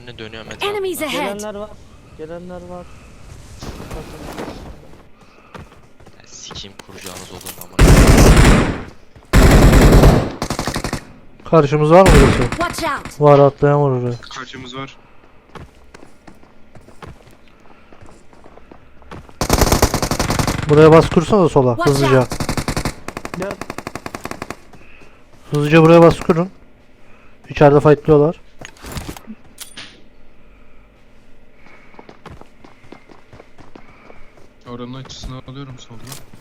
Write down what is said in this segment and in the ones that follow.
önüne dönüyorum etrafında. Enemies ahead. Gelenler var. Gelenler var. Ya, sikeyim kuracağınız olur ama. Karşımız var mı burası? Watch out. Var, atlayan var oraya. Karşımız var. Buraya bas kursana da sola Watch hızlıca. out. Gel. Hızlıca buraya bas kurun. İçeride fightlıyorlar. Oranın açısını alıyorum solda.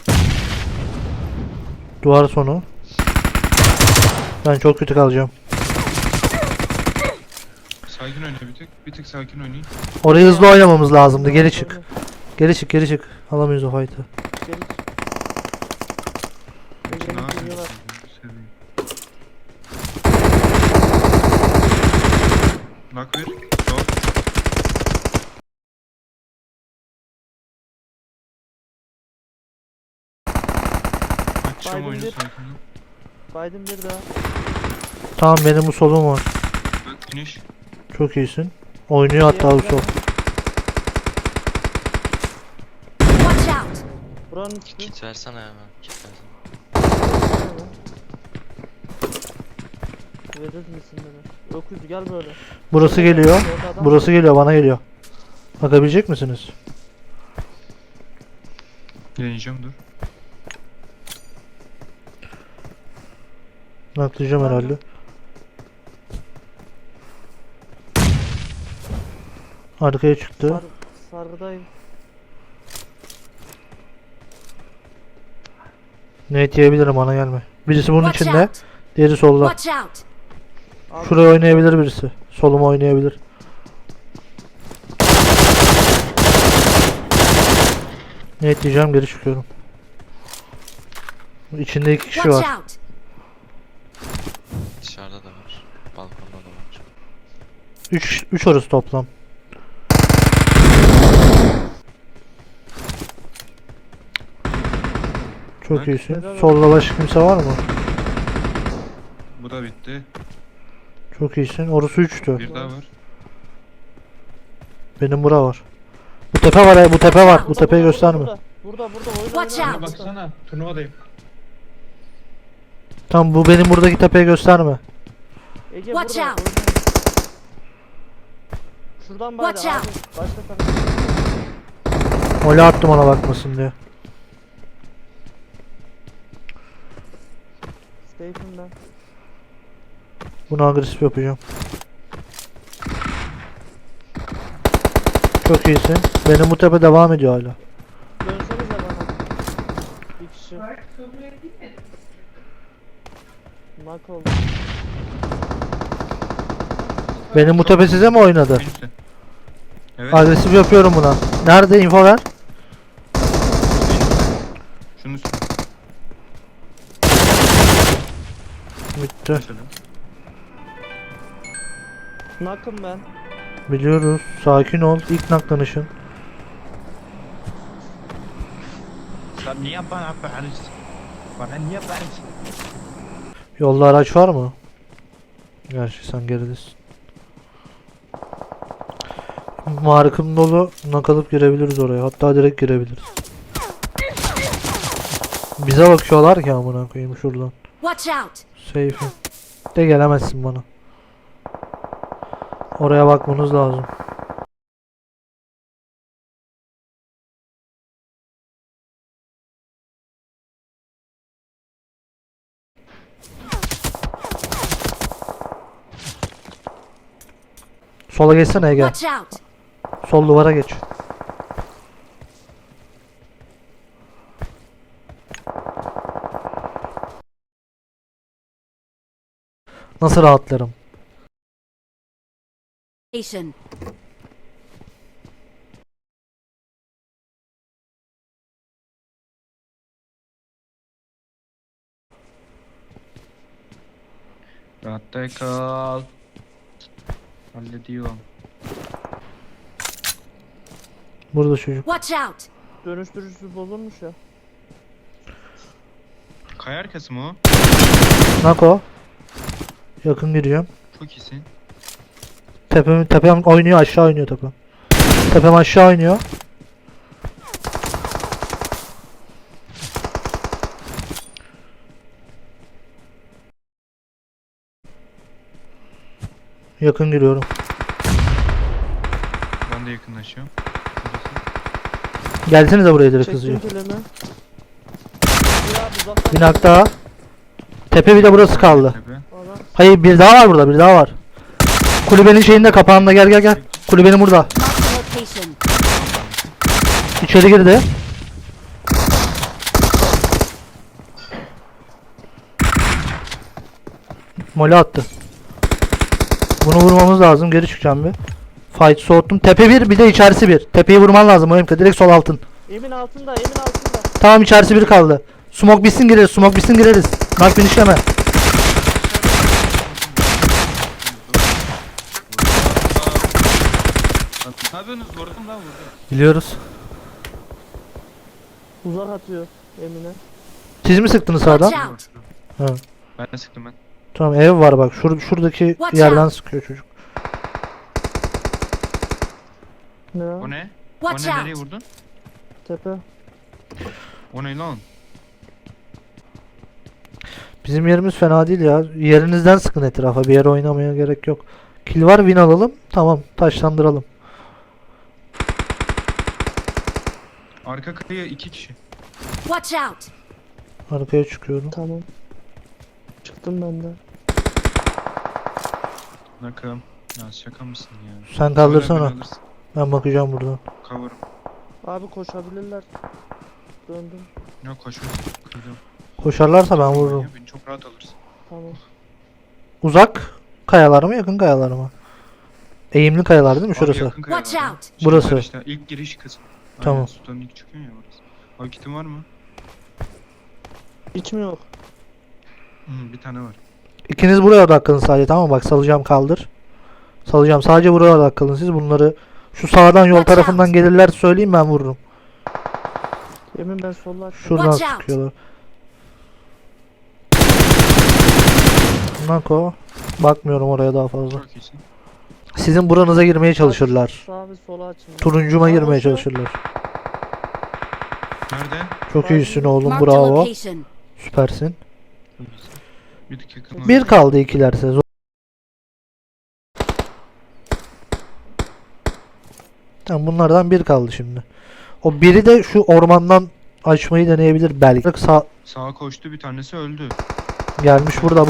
Duvar sonu. Ben çok kötü kalacağım. Sakin oyna bir tık. Bir tık sakin oynayın. Orayı hızlı oynamamız lazımdı. Geri çık. Geri çık, geri çık. Alamayız o fight'ı. Gel. Ne Geliyorlar. yapıyorsun? Seveyim. Bak ver. Sol. Açacağım Biden oyunu bir. sakin ol. Biden bir daha. Tamam, benim bu solum var. Bak finish. Çok iyisin. Oynuyor hatta bu sol. Watch out. Buranın üstü. Kit versene ya. Kit versene. Verir misin beni? Öküz gel böyle. Burası geliyor. Orada adam Burası geliyor, bana geliyor. Bakabilecek misiniz? Deneyeceğim dur. Naklayacağım herhalde. Arkaya çıktı. Sargıdayım. Ne diyebilirim, bana gelme. Birisi bunun Watch içinde. out. Diğeri solda. Watch out. Abi, Şuraya oynayabilir birisi. Soluma oynayabilir. Ne diyeceğim, geri çıkıyorum. İçinde 2 kişi Watch var. out. Dışarıda da var. Balkonda da var. 3 orası toplam. Çok Bak, iyisin. helal Solda başka kimse var mı? Bu da bitti. Çok iyisin. Orası 3'tü. Bir daha var. Benim bura var. Bu tepe var ya, bu tepe var. Bu tepeyi gösterme. Burada oyna Watch oyna. out. Baksana turnuvadayım. Tamam, bu benim buradaki tepeyi gösterme. Ege Watch burada. out. oyna. Şuradan bari Watch abi. out. Başka tarafa. Öyle attım ona bakmasın diye. Safe'im ben. Bunu agresif yapacağım. Çok iyisin. Benim bu tepe devam ediyor hala. Dönsenize bana. Bir kişi. Knock oldu. Benim bu tepe size mi oynadı? Finish'te. Evet. Agresif yapıyorum buna. Nerede, info ver. Şunun üstüne. Bitti. Mesela. Knock'ım ben. Biliyoruz. Sakin ol. İlk naklanışın. Sen niye bana bağırıyorsun? Bana niye bağırıyorsun? Yolda araç var mı? Gerçi sen geridesin. Markım dolu. Nakalıp girebiliriz oraya. Hatta direkt girebiliriz. Bize bakıyorlar ki amına koyayım şuradan. Watch out. Safe'im. De gelemezsin bana. Oraya bakmanız lazım. Sola geçsene Ege. Watch out. Sol duvara geç. Nasıl rahatlarım? Station. Rahatta kal. Hallediyorum. Burada çocuk. Watch out. Dönüştürücüsü bozulmuş ya. Kaya arkası mı o? Nako. Yakın gireceğim. Çok iyisin. Tepem oynuyor, aşağı oynuyor tepem. Tepem aşağı oynuyor. Yakın giriyorum. Ben de yakınlaşıyorum. Gelsenize buraya direkt hızlıca. Çektim kilimi. Bir abi uzaktan. Bir nak daha. Tepe bir de burası kaldı. Tepe. Adam Hayır, bir daha var burada, bir daha var. Kulübenin şeyinde, kapağında, gel. Kulübenin burada. Marked a location. İçeri girdi. Mole attı. Bunu vurmamız lazım. Geri çıkacağım bir. Fight soğuttum. Tepe bir de içerisi bir. Tepeyi vurman lazım Oyunka. Direkt sol altın. Emin altında, Emin altında. Tamam, içerisi bir kaldı. Smoke bitsin gireriz. Smoke bitsin gireriz. Knock finişleme. Ne yapıyorsunuz? Vurdum lan vurdum. Biliyoruz. Uzak atıyor Emin'e. Siz mi sıktınız Watch sağdan? out. Ha. Ben de sıktım ben. Tamam, ev var bak. Şuradaki Watch yerden out. sıkıyor çocuk. Ne? O ne? Watch O ne? Nereye out. vurdun? Tepe. O ne lan? Bizim yerimiz fena değil ya. Yerinizden sıkın etrafa. Bir yere oynamaya gerek yok. Kill var, win alalım. Tamam, taşlandıralım. Arka kıyıya 2 kişi. Watch out. Arkaya çıkıyorum. Tamam. Çıktım ben de. Nakım. Ya şaka mısın ya? Sen kaldırsana. Böyle alırsın. Ben bakacağım buradan. Cover'ım. Abi koşabilirler. Döndüm. Yok koşuyor. Kırdım. Koşarlarsa ben vururum. Ya, beni çok rahat alırsın. Tamam. Uzak kayalar mı, yakın kayalar mı? Eğimli kayalar değil mi Abi şurası? yakın kaya Watch var ya. out. Burası. var işte, ilk giriş kısmı. Tamam. Aynen, sultanın ilk çıkıyor ya orası. Abi kitin var mı? Hiç mi yok? Bir tane var. İkiniz buraya odaklanın sadece, tamam mı? Bak, salacağım, kaldır. Salacağım, sadece buraya odaklanın siz. Bunları şu sağdan yol Watch tarafından out. gelirler söyleyeyim, ben vururum. Emin ben solla attım. Şuradan Watch out. sıkıyorlar. Nako. Bakmıyorum oraya daha fazla. Çok iyisin. Sizin buranıza girmeye çalışırlar. Sağ ve sola açın. Turuncuma Aa, girmeye boşver. çalışırlar. Nerede? Çok iyisin oğlum, Marked a bravo. location. Süpersin. Çok iyisin. Bir tık yakın. Bir kaldı ikilerse. Tamam, bunlardan bir kaldı şimdi. O biri de şu ormandan açmayı deneyebilir belki. Sağa koştu, bir tanesi öldü. Gelmiş burada.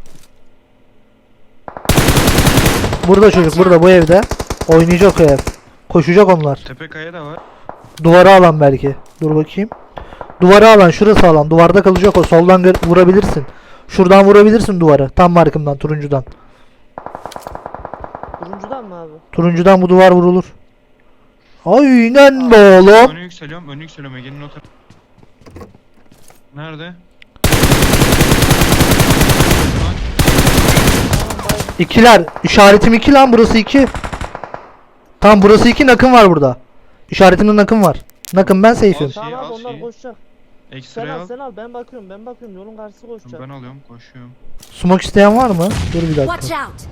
Burada çocuk, burada bu evde. Oynayacak o ev. Koşacak onlar. Tepe kaya da var. Duvara alan belki. Dur bakayım. Duvara alan, şurası alan. Duvarda kalacak o. Soldan vurabilirsin. Şuradan vurabilirsin duvarı. Tam markımdan, turuncudan. Turuncudan mı abi? Turuncudan bu duvar vurulur. Aynen be oğlum. Önü yükseliyorum. Ege'nin o tarafı. Nerede? İkiler. İşaretim 2 lan, burası 2. Tamam, burası 2, nakım var burada. İşaretimde nakım var. Nakım, ben safe'im. Şeyi Tamam al, abi onlar şeyi. koşacak. Sen Ekstra'yı al al. sen al ben bakıyorum yolun karşısı koşacak. Ben alıyorum, koşuyorum. Smoke isteyen var mı? Dur bir Watch dakika. out.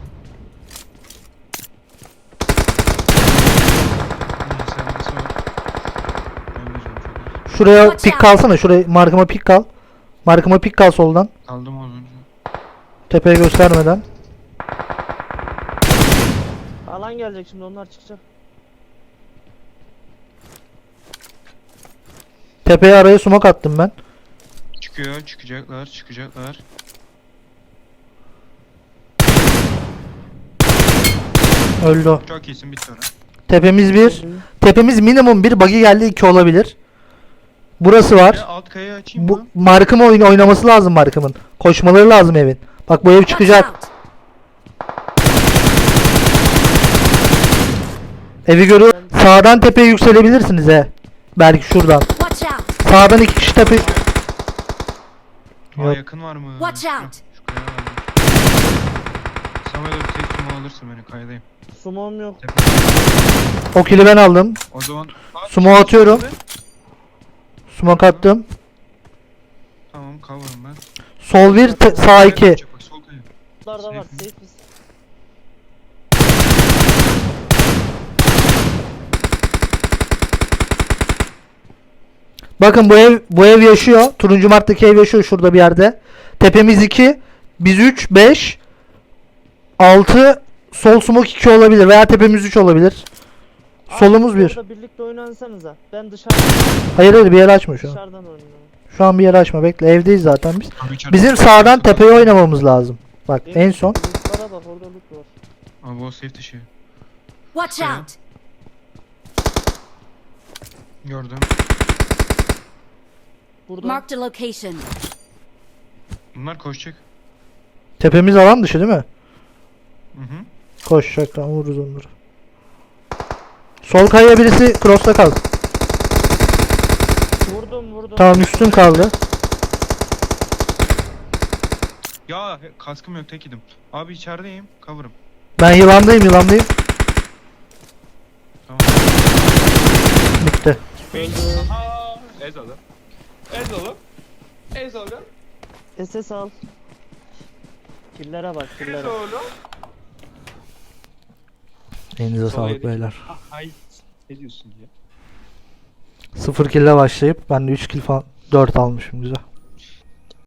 Sen nasıl var? Ölmeyeceğim çok az. Şuraya Watch pik out. kalsana. Şuraya markıma pik kal. Markıma pik kal soldan. Kaldım az önce. Tepeye göstermeden. Alan gelecek şimdi onlar çıkacak. Tepeye araya smoke attım ben. Çıkacaklar. Öldü o. Çok iyisin, bitti orası. Tepemiz bir. Tepemiz minimum bir. Buggy geldi, 2 olabilir. Burası var. Ya alt kayayı açayım Bu mı? markım oynaması lazım markımın. Koşmaları lazım evin. Bak, bu ev Watch çıkacak. out. Evi görüyor. Sağdan tepeye yükselebilirsiniz he. Belki şuradan. Watch out. Sağdan 2 kişi tepe. Aa, Yok. yakın var mı? Watch Şu- out. Şu kaya var. Samuel bir tek sumo alırsın beni, kayadayım. Sumom yok. Tepe. O kili ben aldım. O zaman... Sumo atıyorum. Smoke attım. Tamam, cover'ım ben. Sol 1, sağ 2. Bak, sol kaya. Bunlar da var Safe mi? safe biz. Bakın bu ev yaşıyor. Turuncu Mart'taki ev yaşıyor şurada bir yerde. Tepemiz 2. Biz 3, 5, 6. Sol smoke 2 olabilir veya tepemiz 3 olabilir. Solumuz Abi, 1. orada birlikte oynansanıza. Ben dışarıdan, Hayır bir yere açma şu an. dışarıdan oynuyorum. Şu an bir yere açma bekle. Evdeyiz zaten biz. Abi içeride- Bizim sağdan tepeye oynamamız lazım. Bak en son. Lootlara bak, orada loot var. Abi o safe dışı. Watch Yeah. out! Gördüm. Burada. Marked a location. Bunlar koşacak. Tepemiz alan dışı değil mi? Hı hı. Koşacak lan vururuz onları. Sol kayaya birisi cross'ta kaldı. Vurdum. Tamam üstüm kaldı. Ya kaskım yok tek idim. Abi içerideyim. Cover'ım. Ben yılandayım. Tamam. Bitti. Ez oğlum. Ez oğlum. SS al. Killere bak, killere. Elinize Sol sağlık yedik. beyler. Ay. Ne diyorsun ya? 0 kill'le başlayıp ben de 3 kill falan 4 almışım güzel.